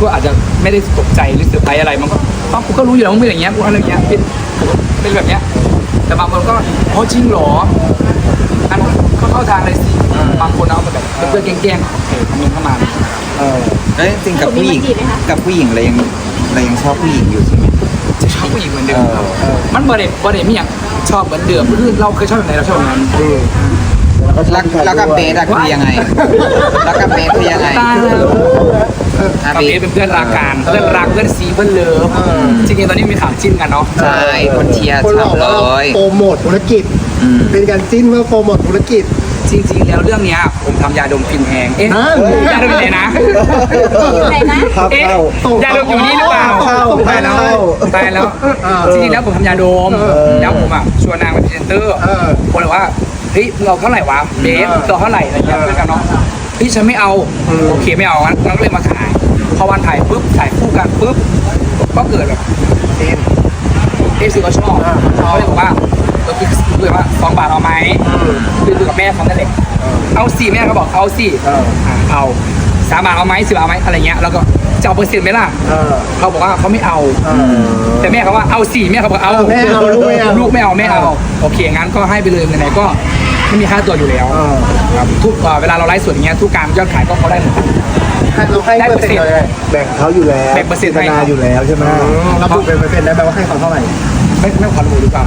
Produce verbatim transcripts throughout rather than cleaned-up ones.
อาจจะไม่ได้ตกใจหรือเซอร์ไพรส์อะไรมันก็อ๋อกูก็รู้อยู่แล้วมันเป็นอย่างเงี้ยกูอะไรอย่างเงี้ยเป็นเป็นแบบเนี้ยแต่บางคนก็อ๋อจริงเหรออันนั้นก็เข้าทางเลยสิบางคนเอาแบบเพื่อนแกล้งๆโอเคคอมเมนต์เข้ามาเออแล้วจริงๆกับผู้หญิงกับผู้หญิงเรายังเรายังชอบผู้หญิงอยู่ใช่ไหมจะชอบผู้หญิงเหมือนเดิมครับมันบริเวณบริเวณมีอย่างชอบเหมือนเดิมคือเราเคยชอบแบบไหนเราชอบแบบนั้นแล้วแล้วกับเบสอะคือยังไงแล้วกับเบสคือยังไงกับเบสเป็นเพื่อนรักกันเพื่อนรักเพื่อนซีเพื่อนเลิฟจริงๆตอนนี้มีข่าวจิ้นกันเนาะใช่คนเชียร์ชอบเลยโปรโมทธุรกิจเป็นการจิ้นเพื่อโปรโมทธุรกิจจริงๆแล้วเรื่องนี้ผมทำยาดมฟินแหงเอ๊ะยาดมอยู่ไหนนะไหนนะเอ๊ะยาดมอยู่นี่หรือเปล่าตายแล้วตายแล้วจริงๆแล้วผมทำยาดมแล้วผมอ่ะชวนนางเป็นพรีเซนเตอร์คนบอกว่าเฮ้ยเราเท่าไหร่วะเบฟเราเท่าไหร่อะไรเงี้ยเพื่อนกันเนาะพี่ฉันไม่เอาโอเคไม่เอางั้นเราก็เลยมาถ่ายพอวันถ่ายปุ๊บถ่ายคู่กันปุ๊บก็เกิดแบบเอฟเอฟซีก็ชอบเขาเลยบอกว่าเออคือเลยว่าสองบาทเอาไหมคือคือกับแม่เขานั่นแหละเอาสี่แม่เขาบอกเอาสี่เอาสามบาทเอาไหมสิบเอาไหมอะไรเงี้ยแล้วก็จะเอาเปอร์เซ็นต์ไหมล่ะเขาบอกว่าเขาไม่เอาแต่แม่เขาว่าเอาสี่แม่เขาบอกเอาแม่เอาลูกไม่เอาลูกไม่เอาแม่เอาโอเคงั้นก็ให้ไปเลยไหนๆก็ไม่มีค่าตัวอยู่แล้วครับทุกเวลาเราไลฟ์สดอย่างเงี้ยทุกการยอดขายก็เขาได้หมดเราให้เปอร์เซ็นต์เลยแบ่งเขาอยู่แล้วแบ่งเปอร์เซ็นต์ให้อยู่แล้วใช่ไหมเราบุกเป็นเปอร์เซ็นต์ได้แปลว่าให้เขาเท่าไหร่ไม่ไม่ขอรู้ดีกว่า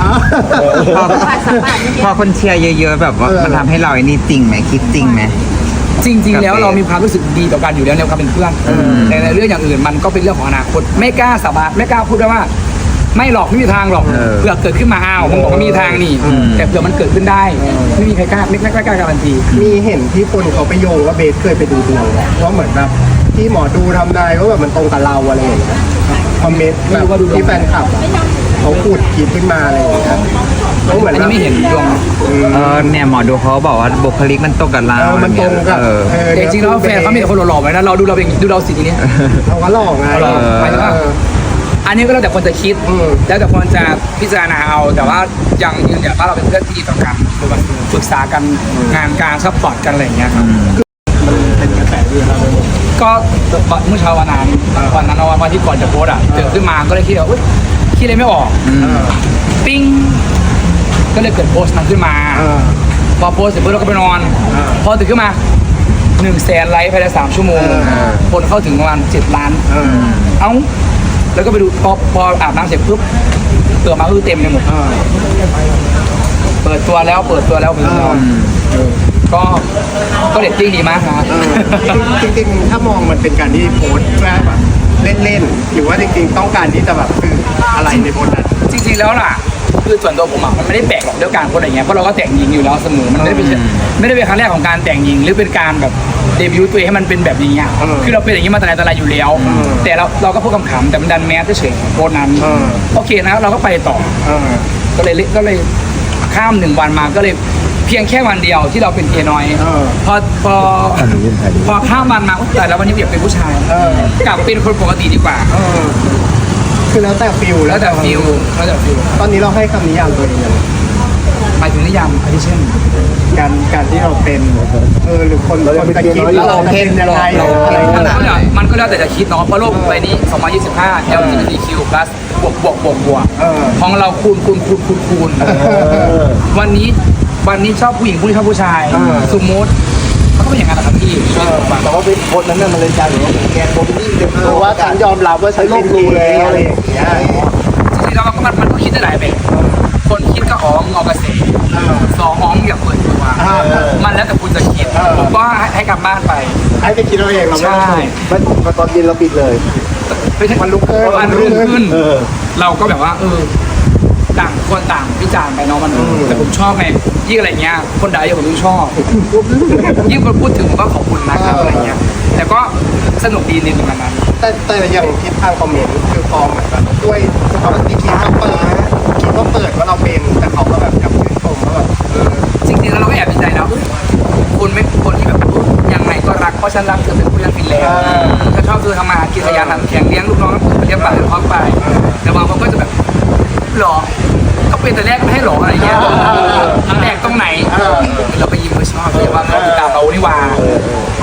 พอคนเชียร์เยอะๆแบบว่ามันทำให้เราไอ้นี่จริงไหมคิดจริงไหมจริงๆแล้วเรามีความรู้สึกดีต่อกันอยู่แล้วในความเป็นเพื่อนแต่ในเรื่องอย่างอื่นมันก็เป็นเรื่องของอนาคตไม่กล้าสาบานไม่กล้าพูดได้ว่าไม่หรอกไม่มีทางหรอกเผื่อเกิดขึ้นมาอ้าวผมบอกว่ามีทางนี่แต่เผื่อมันเกิดขึ้นได้ไม่มีใครกล้าไม่กล้ากล้าการันตีมีเห็นที่คนเขาไปโยงว่าเบสเคยไปดูดวงว่าเหมือนแบบที่หมอดูทำนายว่าแบบมันตรงกับเราอะไรอย่างเงี้ยคอมเมนต์แบบที่แฟนคลับเขาพูดคิดขึ้นมาอะไรอย่างเงี้ยเขาเหมือนไม่เห็นดวงเออเนี่ยหมอดูเขาบอกว่าบุคลิกมันตรงกับเรามันตรงกับแต่จริงๆแล้วแฟนเขามีแต่คนหล่อๆไว้นะเราดูเราเองดูเราสิทีนี้เราก็หล่อไงอันนี้ก็แล้วแต่คนจะคิดแล้วแต่คนจะพิจารณาเอาแต่ว่ายังยืนยันว่าเราเป็นเพื่อนที่ดีต่อกันคือแบบปรึกษากันงานการซัพพอร์ตกันอะไรอย่างเงี้ยครับมันเป็นกระแสด้วยครับก็เมื่อเช้าวันนั้นวันนั้นวันที่ก่อนจะโพสอ่ะตื่นขึ้นมาก็เลยคิดว่าอุ้ยคิดอะไรไม่ออกปิ้งก็เลยเกิดโพสต์นั้นขึ้นมาพอโพสต์เสร็จปุ๊บเราก็ไปนอนพอตื่นขึ้นมาหนึ่งแสนไลค์ภายในสามชั่วโมงคนเข้าถึงประมาณเจ็ดล้านเอ้าแล้วก็ไปดูพอพออาบน้ำเสร็จปุ๊บเปิดมาคือเต็มเลยหมดเปิดตัวแล้วเปิดตัวแล้วคือก็ก็เรตติ้งดีมากนะจริงๆถ้ามองมันเป็นการที่โพสต์เพื่อแบบเล่นๆหรือว่าจริงๆต้องการที่จะแบบคืออะไรในโพสต์นั้นจริงๆแล้วล่ะคือส่วนตัวผมอ่ะมันไม่ได้แปลกหรอกด้วยการโพสอะไรเงี้ยเพราะเราก็แต่งหญิงอยู่แล้วเสมอมันไม่ได้เป็นไม่ได้เป็นครั้งแรกของการแต่งหญิงหรือเป็นการแบบเดบิวต์ตัวเองให้มันเป็นแบบนี้อ่ะคือเราเป็นอย่างนี้มาแต่ไหนแต่ไรอยู่แล้วแต่เราเราก็พูดคำๆแต่มันดันแมสเฉยๆโพสนั้นโอเคนะเราก็ไปต่อก็เลยก็เลยข้ามหนึ่งวันมาก็เลยเพียงแค่วันเดียวที่เราเป็นเกย์น้อยพอพอพอข้ามวันมาแต่แล้ววันนี้อยากเป็นผู้ชายกลับเป็นคนปกติดีกว่าคือแล้วแต่ฟิลแล้วแต่ฟิลแล้วแต่ฟิลตอนนี้เราให้คำนิยามตัวเองยังหมายถึงนิยามอะไรเช่นการการที่เราเป็นเออหรือคนคนจะคิดแล้วเราเป็นยังไงอะไรมันก็แล้วแต่จะคิดเนาะเพราะโลกใบนี้สองพันยี่สิบห้า แอล จี บี ที คิว plus บวกบวกบวกบวกของเราคูณคูณคูณคูณคูณวันนี้วันนี้ชอบผู้หญิงผู้นี้ชอบผู้ชายสมมติเขาก็เป็นอย่างนั้นนะครับพี่แต่ว่าเป็นคนนั้นมันเลยใจหรือว่าแกนโมบิลี่เพราะว่าฉันยอมรับว่าฉันเป็นรู้แล้วอะไรอย่างเงี้ยจริงๆแล้วมันมันก็คิดได้หลายแบบคนคิดก็อ๋อมึงเอากระแสสองอ๋อมึงอย่าเปิดตัวมันแล้วแต่คุณจะคิดผมก็ให้กลับบ้านไปให้ไปคิดเอาเองเราไม่ใช่ตอนเย็นเราปิดเลยมันลุกขึ้นมันลุกขึ้นเราก็แบบว่าเออต่างคนต่างพิจารณ์ไปเนาะมันแต่ผมชอบไงยิ่งอะไรเงี้ยคนใดผมยิ่งชอบยิ่งคนพูดถึงผมก็ขอบคุณนะครับอะไรเงี้ยแต่ก็สนุกดีในตรงนั้นแต่แต่อย่างทิศทางคอมเมนต์คือฟอร์มเหมือนแบบด้วยปกติคิดว่าเปิดคิดว่าเปิดว่าเราเป็นแต่เขาก็แบบกับชื่นชมว่าแบบจริงๆแล้วเราก็แอบดีใจนะคนไม่คนที่แบบยังไงก็รักเพราะฉันรักเธอเป็นผู้ยังฟินแล้วถ้าชอบเธอทำมากินขยันทำแข็งเลี้ยงลูกน้องเลี้ยงปากเลี้ยงท้องไปแต่บางคนก็จะแบบหรอก็เป็นแต่แรกไม่ให้หรออะไรเงี้ยแรกตรงไหนเราไปยิ้มไปชอบเลยว่าเขาติดตามเรานี่ว่า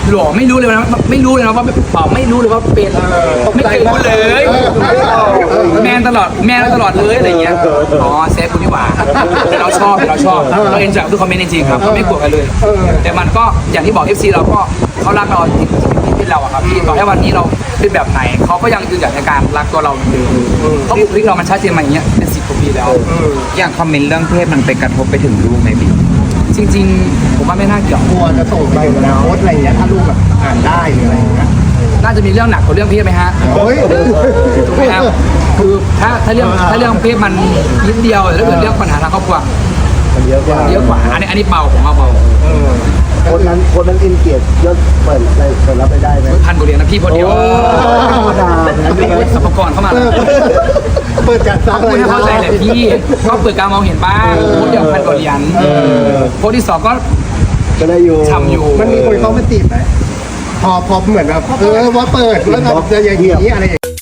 หรอไม่รู้เลยนะไม่รู้เลยนะว่าเปล่าไม่รู้เลยว่าเป็นไม่เคยรู้เลยแมนตลอดแมนตลอดเลยอะไรเงี้ยอ๋อเซฟคุณนี่หว่าแต่เราชอบเราชอบเราเอ็นจอยกับทุกคอมเมนต์จริงๆครับเราไม่กลัวกันเลย แต่มันก็อย่างที่บอก เอฟ ซี เราก็เขารักเราที่เป็นเราอะครับที่ต่อให้วันนี้เราเป็นแบบไหนเขาก็ยังยืนหยัดในการรักตัวเราเหมือนเดิมเพราะบุคลิกเรามันชัดเจนมาอย่างเงี้ยเป็นสิบกว่าปีแล้วอย่างคอมเมนต์เรื่องเพศมันไปกระทบไปถึงลูกไหมบิ๊กจริงๆผมว่าไม่น่าเกี่ยวกลัวจะส่งไปอนาคตอะไรอย่างเงี้ยถ้าลูกแบบอ่านได้หรืออะไรอย่างเงี้ยน่าจะมีเรื่องหนักกว่าเรื่องเพศไหมฮะโอ้ยถูกไหมครับคือถ้าถ้าเรื่องถ้าเรื่องเพศมันนิดเดียวแต่ถ้าเกิดเรื่องปัญหาทางครอบครัวมันเยอะกว่าเยอะกว่าอันนี้อันนี้เบาผมว่าเบาคนนั้นคนนั้นอินเกียรติยศเปิดอะไรเปิดรับไปได้ไหมพันกว่าเหรียญนะพี่คนเดียวโอ้ธรรมดาสรรพากรเข้ามาแล้วเปิดการซักพูดให้เข้าใจเลยพี่ก็เปิดการมองเห็นบ้างโพสต์เดียวพันกว่าเหรียญโพสต์ที่สองก็ก็ได้อยู่ทำอยู่มันมีคนเข้ามาจีบไหมพอพอเหมือนแบบเออว่าเปิดแล้วแบบจะอย่างนี้อะไรอย่างนี้